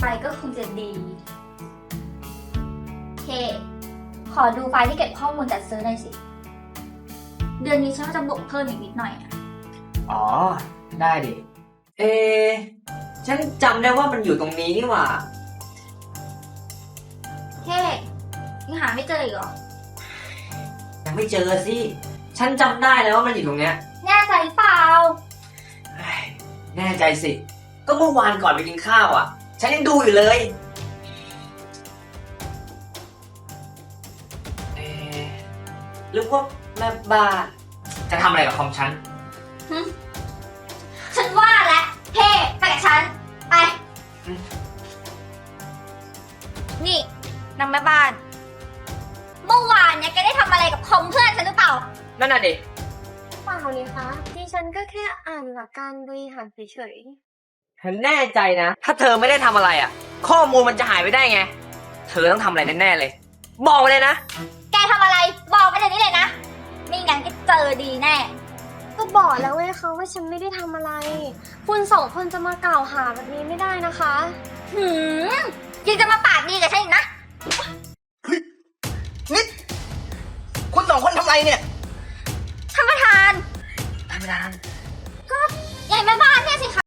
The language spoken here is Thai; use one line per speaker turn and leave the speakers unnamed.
ก็คงจะดีเคขอดูไฟล์ที่เก็บข้อมูลจัดซื้อหน่อยสิเดือนนี้ฉันจะบวกเพิ่มอีกนิดหน่อยอะ
อ๋อ ได้ดิ เอ ฉันจำได้ว่ามันอยู่ตรงนี้นี่หว่า
เคยังหาไม่เจออีกเหรอ
ยังไม่เจอสิ ฉันจำได้แล้วว่ามันอยู่ตรงเนี้ย
แน่ใจเปล่า
เฮ้ยแน่ใจสิ ก็เมื่อวานก่อนไปกินข้าวอ่ะ ฉันยังดูอยู่เลย เอ๊ะหรือว่าแม่บ้านจะทำอะไรกับคอมฉัน
ฉันว่าแล้วเฮ้ไปกับฉัน ไป
อืม
นี่นางแม่บ้าน เมื่อวานเนี่ยแกได้ทำอะไรกับคอมเพื่อนฉันหรือเปล่า
นั่นน่ะดิ
เปล่านี่คะดิฉันก็แค่อ่านหลักการบริหารเฉย
ฉันแน่ใจนะ ถ้าเธอไม่ได้ทำอะไรอ่ะ ข้อมูลมันจะหายไปได้ไง เธอต้องทำอะไรแน่ๆเลย บอกมาเลยนะ
แกทำอะไร บอกไปเดี๋ยวนี้เลยนะไม่งั้นก็เจอดีแน่
ๆก็บอกแล้วไงคะว่าฉันไม่ได้ทำอะไร คุณสองคนจะมากล่าวหาแบบนี้ไม่ได้นะคะ
หืมยังจะมาปากดีกับฉันอีกนะ
นี่ คุณสองคนทำอะไรเนี่ย
ท่านประธาน
ท่านประธาน
ใหญ่แม่บ้านเนี่ยสิคะ